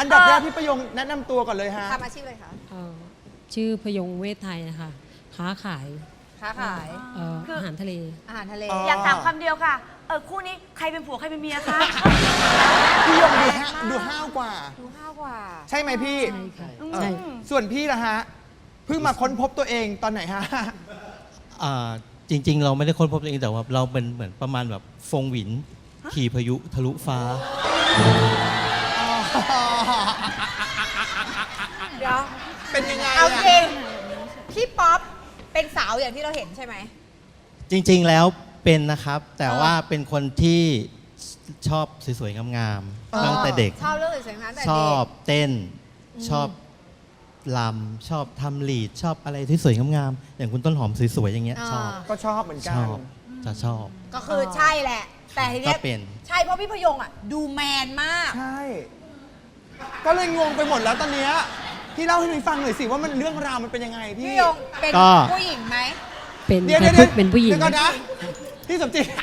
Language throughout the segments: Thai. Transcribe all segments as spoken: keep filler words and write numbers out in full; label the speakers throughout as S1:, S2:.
S1: อันดับแรกพี่ประยงแนะนำตัวก่อนเลยฮะ
S2: ทำอาชีพอะไรคะ
S3: ชื่อพยงเวทไทยนะคะค้าขาย
S2: ค้าขาย
S3: อาหารทะเล
S2: อาหารทะเล
S4: อยากถามคำเดียวค่ะเออคู่นี้ใครเป็นผัวใครเป็นเมียคะ
S1: พี่ยงดูดูห้าวกว่า
S2: ดูห้าวกว่า
S1: ใช่ไหมพี่
S3: ใช่ค่ะ
S1: ใช่ส่วนพี่ล่ะฮะเพิ่งมาค้นพบตัวเองตอนไหนฮะ
S5: จริงๆเราไม่ได้ค้นพบตัวเองแต่ว่าเราเป็นเหมือนประมาณแบบฟงหวินขี่พายุทะลุฟ้า
S2: เดี๋ยว
S1: เป็นยังไง
S2: เอาจริงพี่ป๊อปเป็นสาวอย่างที่เราเห็นใช่ไหม
S5: จริงๆแล้วเป็นนะครับแต่ว่าเป็นคนที่ชอบสวยๆงามๆตั้งแต่เด็ก
S2: ชอบเรื่องสวยๆงามแต่เด็ก
S5: ชอบเต้นชอบลำชอบทำลีดชอบอะไรที่สวยงามๆอย่างคุณต้นหอมสวยๆอย่างเงี้ยชอบ
S1: ก็ชอบเหมือนกัน
S5: ชอบจะชอบ
S2: ก็คือใช่แหละแต่ทีนี้ใช่เพราะพี่พยงอ่ะดูแมนมาก
S1: ใช่ก็เลยงงไปหมดแล้วตอนเนี้ยพี่เล่าให้หนูฟังหน่อยสิว่ามันเรื่องราวมันเป็นยังไงพี่
S2: พี่ยงเป็นผู้หญิงไหม
S3: เป็น
S1: เดี๋ยว
S3: เป็นผู้หญิง
S1: ก่อนนะพี่สมจิต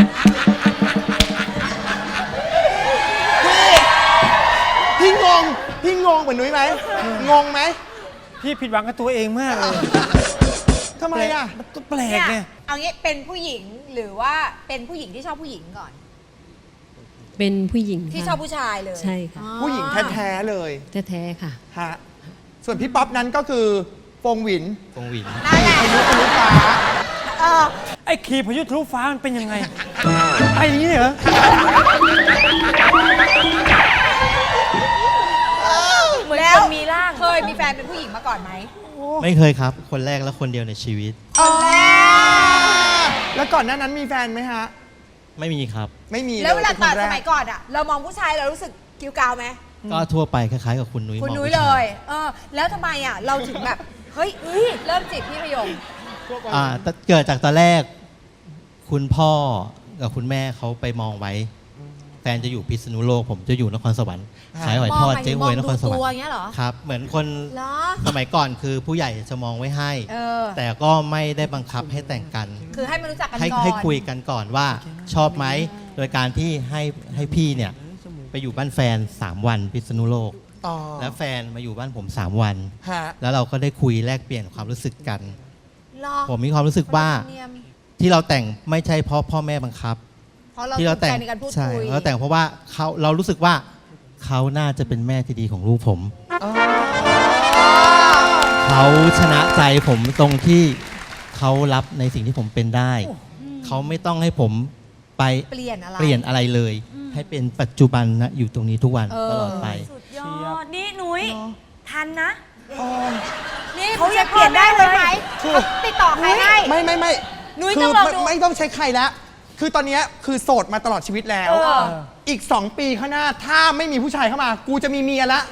S1: พี่พี่งงพี่งงเหมือนนุ้ยไหมงงไหม
S6: พี่ผิดหวังกับตัวเองมากเลย
S1: ทำไมอ่ะ
S6: มันก็แปลกไง
S2: เอางี้เป็นผู้หญิงหรือว่าเป็นผู้หญิงที่ชอบผู้หญิงก่อน
S3: เป็นผู้หญิง
S2: ที่ชอบผู้ชายเลย
S3: ใช่ค่ะ
S1: ผู้หญิงแท้ๆเลย
S3: แท้ๆค่ะ
S1: ฮะส่วนพี่ป๊อปนั้นก็คือฟงหวิน
S5: ฟงหวิน
S2: นั่นแหละ
S1: พายุทะลุฟ้า
S6: ไอ้ขี่พายุทะลุฟ้ามันเป็นยังไงไอ้นี่เหรอ
S4: เหมือนคนมีร่าง
S2: เคยมีแฟนเป็นผู้หญิงมาก่อนไหม
S5: ไม่เคยครับคนแรกและคนเดียวในชีวิต
S1: แล้วก่อนหน้านั้นมีแฟนไหมฮะ
S5: ไม่มีครับ
S1: ไม่มี
S2: แล้วเวลาตอนสมัยก่อนอ่ะเรามองผู้ชายเรารู้สึกกิ้วกาวไหม
S5: ก็ทั่วไปคล้ายๆกับคุณนุ้ย
S2: คุณนุ้ยเลยเออแล้วทำไมอ่ะเราถึงแบบเฮ้ยเริ่มจีบพี่พยง
S5: อ่าเกิดจากตอนแรกคุณพ่อกับคุณแม่เขาไปมองไว้แฟนจะอยู่พิษณุโลกผมจะอยู่นครสวรรค์ขายหอยทอดเจ๊หวยนครสวรรค์ครับเหมือนคนสมัยก่อนคือผู้ใหญ่จะมองไว้ให้แต่ก็ไม่ได้บังคับให้แต่งกัน
S2: คือให้มันรู้จักกัน
S5: ก่อนให้คุยกันก่อนว่าชอบไหมโดยการที่ให้ให้พี่เนี่ยไปอยู่บ้านแฟนสามวันพิษณุโลกแล้วแฟนมาอยู่บ้านผมสามวันแล้วเราก็ได้คุยแลกเปลี่ยนความรู้สึกกันผมมีความรู้สึกว่าที่เราแต่งไม่ใช่เพราะพ่อแม่บังคับ
S2: ที่เราแต่ง
S5: ใช่เราแต่งเพราะว่าเขาเรารู้สึกว่าเขาน่าจะเป็นแม่ที่ดีของลูกผมเขาชนะใจผมตรงที่เขารับในสิ่งที่ผมเป็นได้เขาไม่ต้องให้ผมไป
S2: เปลี่ยนอะไร
S5: เปลี่ยนอะไรเลยให้เป็นปัจจุบันนะอยู่ตรงนี้ทุกวันตลอดไป
S4: สุดยอดนี่นุ้ยทันนะ
S2: นี่เขาจะเปลี่ยนได้เลยไหมติดต่อใครให้
S1: ไม่ไม่ไม่
S2: นุ้ยต้องลองดู
S1: ไม่ต้องใช้ใครแล้วคือตอนนี้คือโสดมาตลอดชีวิตแล้วอีกสองปีข้างหน้าถ้าไม่มีผู้ชายเข้ามากูจะมีเมียละ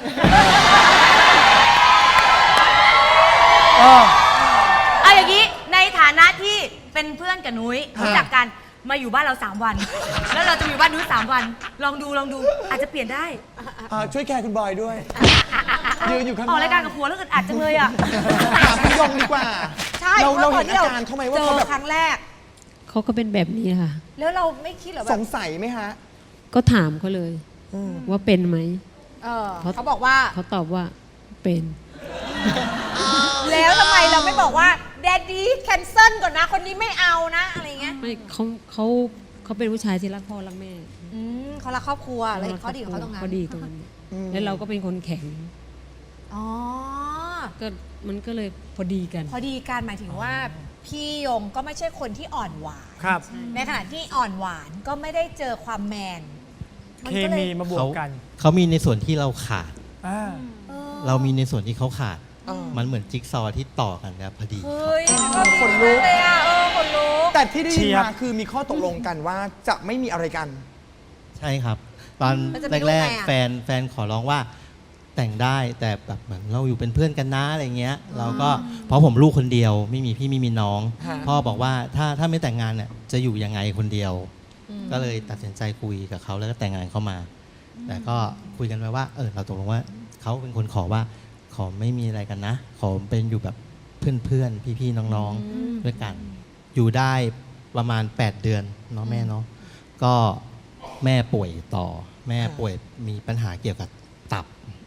S4: เอาอย่างนี้ในฐานะที่เป็นเพื่อนกับนุ้ยรู้จักกันมาอยู่บ้านเราสามวันแล้วเราจะอยู่บ้านนุ้ยสามวันลองดูลองดูอาจจะเปลี่ยนได้
S1: ช่วยแคร์คุณบอยด้วยยืนอยู่ข้าง
S4: ออกรายการกับผัวแล้วอึดอัดจังเลยอ่ะ
S1: ถามคุณยงดีกว่า
S2: ใช่
S1: เราเราเห็นอาการเขาไหมว่าเขาแบบ
S2: ครั้งแรก
S3: เขาก็เป็นแบบนี้ค่ะ
S2: แล้วเราไม่คิดหรอแบบ
S1: สงสัยไหมฮะ
S3: ก็ถามเขาเลยว่าเป็นไหม
S2: เขาบอกว่า
S3: เขาตอบว่าเป็น
S2: แล้วทำไมเราไม่บอกว่าแดดดี้แคนเซิลก่อนนะคนนี้ไม่เอานะอะไรเงี้ย
S3: ไม่เขาเขาเขาเป็นผู้ชายที่รักพ่อรักแม่
S2: เขารักครอบครัวอะไรเขาดีของเขาตรงนั้น
S3: เขาดีตรงนั้นแล้วเราก็เป็นคนแข็ง
S2: อ๋อ
S3: ก็มันก็เลยพอดีกัน
S2: พอดีกันหมายถึงว่าพี่ยงก็ไม่ใช่คนที่อ่อนหวาน
S6: ครับ
S2: ในขณะที่อ่อนหวานก็ไม่ได้เจอความแมน
S6: เคมีมาบวกกัน
S5: เขามีในส่วนที่เราขาดเรามีในส่วนที่เขาขาดมันเหมือนจิ๊กซอว์ที่ต่อกันครับพอดี
S2: คนรู้เลยอ่ะเออคนรู้
S1: แต่ที่ได้ยินมาคือมีข้อตกลงกันว่าจะไม่มีอะไรกัน
S5: ใช่ครับตอนแรกๆแฟนแฟนขอร้องว่าแต่งได้แต่แบบเหมือนเราอยู่เป็นเพื่อนกันนะอะไรเงี้ยเราก็เพราะผมลูกคนเดียวไม่มีพี่ไม่มีน้องพ่อบอกว่าถ้าถ้าไม่แต่งงานเนี่ยจะอยู่ยังไงคนเดียวก็เลยตัดสินใจคุยกับเขาแล้วก็แต่งงานเข้ามาแต่ก็คุยกันไว้ว่าเออเราตกลงว่าเขาเป็นคนขอว่าขอไม่มีอะไรกันนะขอเป็นอยู่แบบเพื่อนๆพี่ๆน้องๆด้วยกันอยู่ได้ประมาณแปดเดือนเนาะแม่เนาะก็แม่ป่วยต่อแม่ป่วยมีปัญหาเกี่ยวกับตับ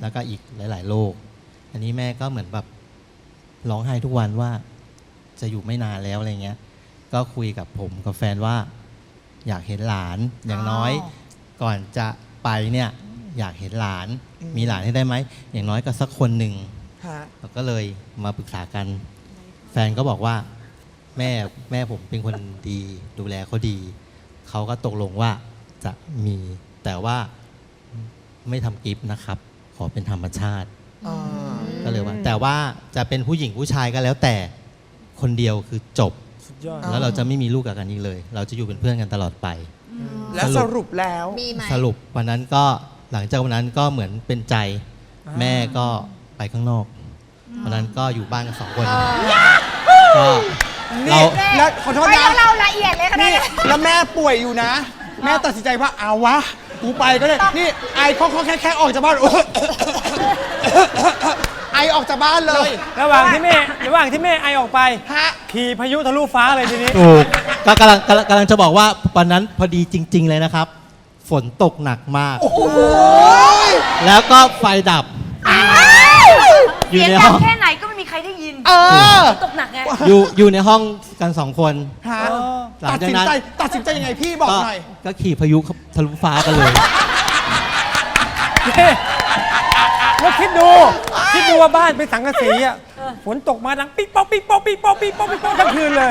S5: แล้วก็อีกหลาย ๆ โรคอันนี้แม่ก็เหมือนแบบร้องไห้ทุกวันว่าจะอยู่ไม่นานแล้วอะไรเงี้ยก็คุยกับผมกับแฟนว่าอยากเห็นหลานอย่างน้อยก่อนจะไปเนี่ยอยากเห็นหลานมีหลานให้ได้ไหมอย่างน้อยก็สักคนหนึ่ง
S1: ฮะ
S5: เราก็เลยมาปรึกษากัน แฟนก็บอกว่าแม่แม่ผมเป็นคนดีดูแลเขาดี เขาก็ตกลงว่าจะมีแต่ว่าไม่ทำกิฟต์นะครับ ขอเป็นธรรมชาติ
S1: อ่า
S5: ก็เลยว่า แต่ว่าจะเป็นผู้หญิงผู้ชายก็แล้วแต่คนเดียวคือจบ
S6: สุดยอด
S5: แล้วเราจะไม่มีลูกกับกันอีกเลย เราจะอยู่เป็นเพื่อนกันตลอดไป
S1: แล้วสรุปแล้ว
S2: มีไหม
S5: สรุปวันนั้นก็หลังจากวันนั้นก็เหมือนเป็นใจ
S6: อ่า
S5: แม่ก็ไปข้างนอกวันนั้นก็อยู่บ้านกันสองคนก็เรา
S1: แล้วขอโทษ
S2: ไม่
S1: นะ
S2: ต้องเล่าละเอียดเลยค่ะ
S1: นี่
S2: เนี่ย
S1: แล้วแม่ป่วยอยู่นะ แม่ตัดสินใจว่าเอาวะ กูไปก็ได้ นี่ไอเขาเขาแค่แค่ออกจากบ้าน ไอออกจากบ้านเลย
S6: ระหว่างที่แม่ระหว่างที่แม่ไอออกไป
S1: ฮะ
S6: ขี่พายุทะลุฟ้าเลยทีนี้
S5: ถูกก็กำลังกำลังกำลังจะบอกว่าวันนั้นพอดีจริง ๆ เลยนะครับ ฝนตกหนักมาก แล้วก็ไฟดับ อยู่
S4: เสียง
S5: ใน
S4: ดั
S5: ห้
S4: ง
S5: อง
S4: แค่ไหนก็ไม่มีใครได้ยิน
S1: เออ
S4: ตกหนักไง
S5: อยู่อยู่ในห้องกันสองคน
S1: ฮะ
S5: หลัง
S1: ตัด
S5: จาก
S1: สิน
S5: นั้น
S1: ใจตัดสินใจยังไงพี่บอก
S5: ก็
S1: หน่อย
S5: ก็ขี่พายุทะลุฟ้ากันเลย
S6: แล้วคิดดู คิดดูว่าบ้านเป็นสังกะสีอ่ะฝนตกมาดังปิ๊กป๊อกปิ๊กป๊อกปิ๊กป๊อกปิ๊กป๊อกปิ๊กป๊อกทั้งคืนเลย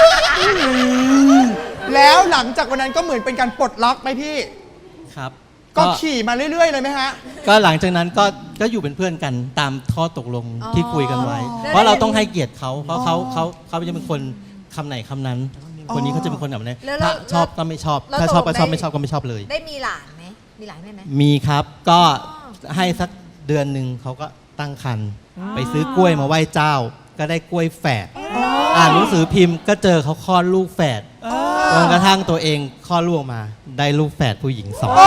S1: แล้วหลังจากวันนั้นก็เหมือนเป็นการปลดล็อกไหมพี่
S5: ครับ
S1: ก็ขี่มาเรื่อยๆเลยไหมฮะ
S5: ก็หลังจากนั้นก็ก็อยู่เป็นเพื่อนกันตามข้อตกลงที่คุยกันไว้
S2: แล้ว
S5: เพราะเราต้องให้เกียรติเขาเพราะเขาเขาเขาจะเป็นคนคำไหนคำนั้น คนนี้เขาจะเป็นคนแบบนี้
S2: แล้ว
S5: ถ้า
S2: แล้ว
S5: ชอบก็ไม่ชอบ
S2: แล้ว
S5: ถ้าชอบ
S2: ตกล
S5: ก็
S2: ง
S5: ชอบ
S2: ได้
S5: ไม่ชอบก็ไม่ชอบเลย
S2: ได้มีหลานไหมมีหลานได้ไหม
S5: มีครับก็ให้สักเดือนหนึ่งเขาก็ตั้งครรภ์ไปซื้อกล้วยมาไหว้เจ้า ก็ได้กล้วยแฝดอ่านหนังสือพิมพ์ก็เจอเขาคลอดลูกแฝดจนกระทั่งตัวเองคลอดลูกออกมา ได้ลูกแฝดผู้หญิงสองคน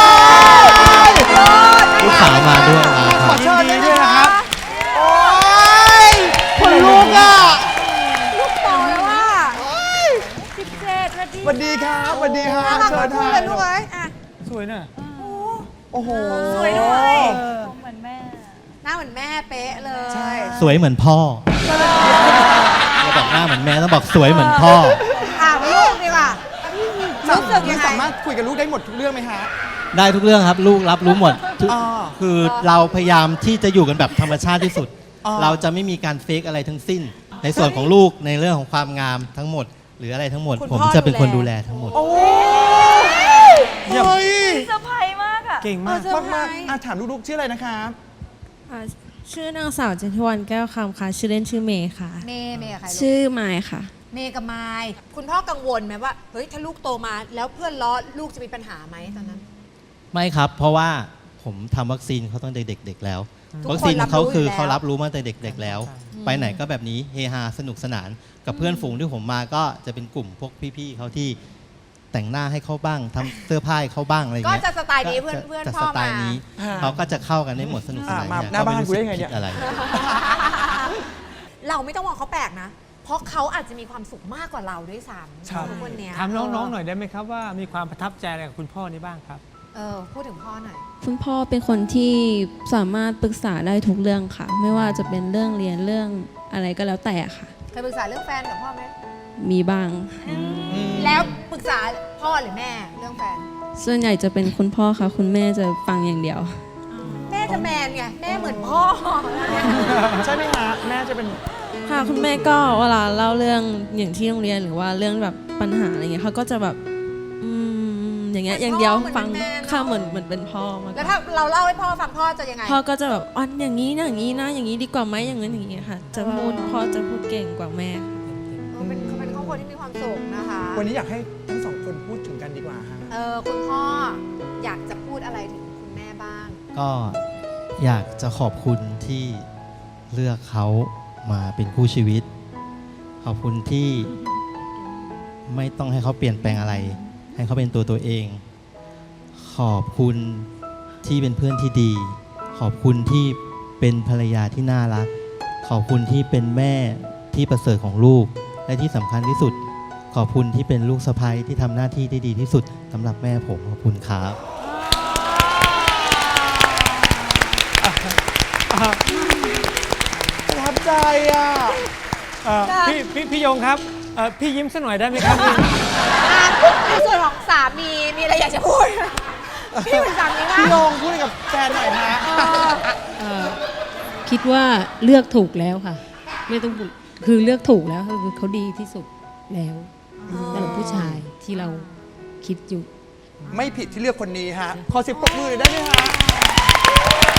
S5: ลูกสาวมาด้วยมาค
S1: ข
S5: รั
S1: อบ เชิญเลย
S6: ด้วย
S1: นะ
S6: นะค
S1: ค
S6: รั
S1: รับ บ โอ้ยคนลุกอ่ะ
S2: ลูกโตแล้วว่า
S4: สิบเจ็ดนาที
S1: สวัสดีครับสวัสดีครับ
S2: น่ารัก
S1: เชิ
S2: มา
S1: ญ
S2: ก
S1: ทา
S2: เลยลูกเอ้ยอ่ะ
S6: สวยน่ะ
S1: โอ้โห
S4: สวยด้วย
S6: เออ
S4: เหมือนแม่
S2: หน้าเหมือนแม่เป๊ะเลย
S1: ใช่
S5: สวยเหมือนพ่อเราบอกหน้าเหมือนแม่ต้องบอกสวยเหมือนพ่อ
S2: ถามลูกดีกว่ารู้สึกยังไง
S1: สามารถคุยกับลูกได้หมดทุกเรื่องไหมฮะ
S5: ได้ทุกเรื่องครับ ลูกรับรู้หมดทุก
S1: อ่า
S5: คือเราพยายามที่จะอยู่กันแบบธรรมชาติที่สุด
S1: อ่า
S5: เราจะไม่มีการเฟกอะไรทั้งสิ้น ในส่วนของลูกในเรื่องของความงามทั้งหมด หรืออะไรทั้งหมด
S2: คุณ
S5: ผม
S2: พ่อ
S5: จะเป็นคน
S2: ดู
S5: ดู
S2: แล
S5: แลทั้งหมด
S1: โอ้
S6: เยี่ยม
S1: เฮ้ย
S4: เซอร์ไพรส์มากอะ
S6: เก่งมาก
S1: มากมากๆอ่ะถามลูกๆชื่ออะไรนะครับ
S3: ค่ะชื่อนางสาวเจนทวันแก้วคำค่ะ ชื่อเล่นชื่อเมย์ค่ะ
S2: เมย์เมย์กับใครลูก
S3: ชื่อไมายค่ะ
S2: เมย์กับไมายคุณพ่อกังวลไหมว่า เฮ้ย ถ้าลูกโตมาแล้วเพื่อนล้อลูกจะมีปัญหาไหมตอนนั้น
S5: ไม่ครับ เพราะว่าผมทำวัคซีนเขาตั้งแต่เด็กๆแล้ว
S2: ทุกคน
S5: วัคซีนของเขาคือ
S2: รับรู้อยู่แล้ว
S5: เขารับรู้มาตั้งแต่เด็กๆแล้ว ไปไหนก็แบบนี้เฮฮาสนุกสนาน กับเพื่อนฝูงที่ผมมาก็จะเป็นกลุ่มพวกพี่ๆเขาที่แต่งหน้าให้เขาบ้างทำเสื้อผ้าให้เขาบ้างอะไร
S2: ก็
S5: เงี้ย
S2: จะสไตล์นี้เพื่อน
S5: จะ
S2: เพื่อน
S5: จะ
S2: พ่อ
S5: สไต
S2: มา
S5: ล์นี้
S1: อ่า
S5: เขาก็จะเข้ากันได้หมดสนุกสนาน
S1: อ่ะมา
S5: เย
S1: หน้าบ้าน
S5: ไม่
S1: กูได้ไง
S5: รู้สึ
S1: เนี่ย
S5: ผิอะไร
S2: เราไม่ต้องมองเขาแปลกนะ เพราะเขาอาจจะมีความสุขมากกว่าเราด้วยซ้ำ
S6: ครับ
S2: ทุกคนเนี้ย
S6: ถามน้องๆหน่อยได้ไหมครับว่ามีความประทับใจอะไรกับคุณพ่อนี้บ้างครับ
S2: เออพูดถึงพ่อหน่อย
S3: คุณพ่อเป็นคนที่สามารถปรึกษาได้ทุกเรื่องค่ะ ไม่ว่าจะเป็นเรื่องเรียนเรื่องอะไรก็แล้วแต่ค่ะ
S2: เคยปรึกษาเรื่องแฟนกับพ่อไหม
S3: มีบ้าง
S2: แล้วปรึกษาพ่อหรือแม่เรื่องแฟน
S3: ส่วนใหญ่จะเป็นคุณพ่อค่ะ คุณแม่จะฟังอย่างเดียว
S2: แม่จะแมนไง แม่เหมือนพ่อ
S1: ใช่ไหมฮะ แม่จะเป็น
S3: ค่ะคุณแม่ก็เวลาเล่าเรื่องอย่างที่โรงเรียนหรือว่าเรื่องแบบปัญหาอะไรเงี้ยเขาก็จะแบบอืมอย่างเงี้ยอย่างเดียวฟังค่ะเหมือนเหมือนเป็นพ่อมากก
S2: แล้ว
S3: ว่า
S2: ถ้าเราเล่าให้พ่อฟังพ่อจะยังไง
S3: พ่อก็จะแบบอ๋ออย่างนี้นะอย่างนี้นะอย่างนี้ดีกว่าไหมอย่างนั้นอย่างนี้ค่ะ จะพูดพ่อจะพูดเก่งกว่าแม่
S2: เออเป็นเขาเป็นครอบครัวที่มีความสุขนะคะ
S1: วันนี้อยากให้ทั้งสองคนพูดถึงกันดีกว่าฮะ
S2: เออคุณพ่ออยากจะพูดอะไรถึงคุณแม่บ้าง
S5: ก็อยากจะขอบคุณที่เลือกเขามาเป็นคู่ชีวิต ขอบคุณที่ไม่ต้องให้เขาเปลี่ยนแปลงอะไร ให้เขาเป็นตัวตัวเอง ขอบคุณที่เป็นเพื่อนที่ดี ขอบคุณที่เป็นภรรยาที่น่ารัก ขอบคุณที่เป็นแม่ที่ประเสริฐของลูก และที่สำคัญที่สุด ขอบคุณที่เป็นลูกสะใภ้ที่ทำหน้าที่ได้ดีที่สุดสำหรับแม่ผมขอบคุณครับ
S1: อ่ะ
S6: เอ่อพี่พี่พี่ยงครับเอ่อพี่ยิ้มสักหน่อยได้ไหมครับพี่
S2: อ่ะในส่วนของสามีมีอะไรอยากจะพูดพี่เป็นสามีว่า
S1: พี่โยงพูดกับแฟนหน่อยฮะ
S7: เอ่อคิดว่าเลือกถูกแล้วค่ะ ไม่ต้องพูดคือเลือกถูกแล้วคือเขาดีที่สุดแล้วสำหรับผู้ชายที่เราคิดอยู่
S1: ไม่ผิดที่เลือกคนนี้ฮะ ขอเสิบปรบมือหน่อยได้ไหมฮะ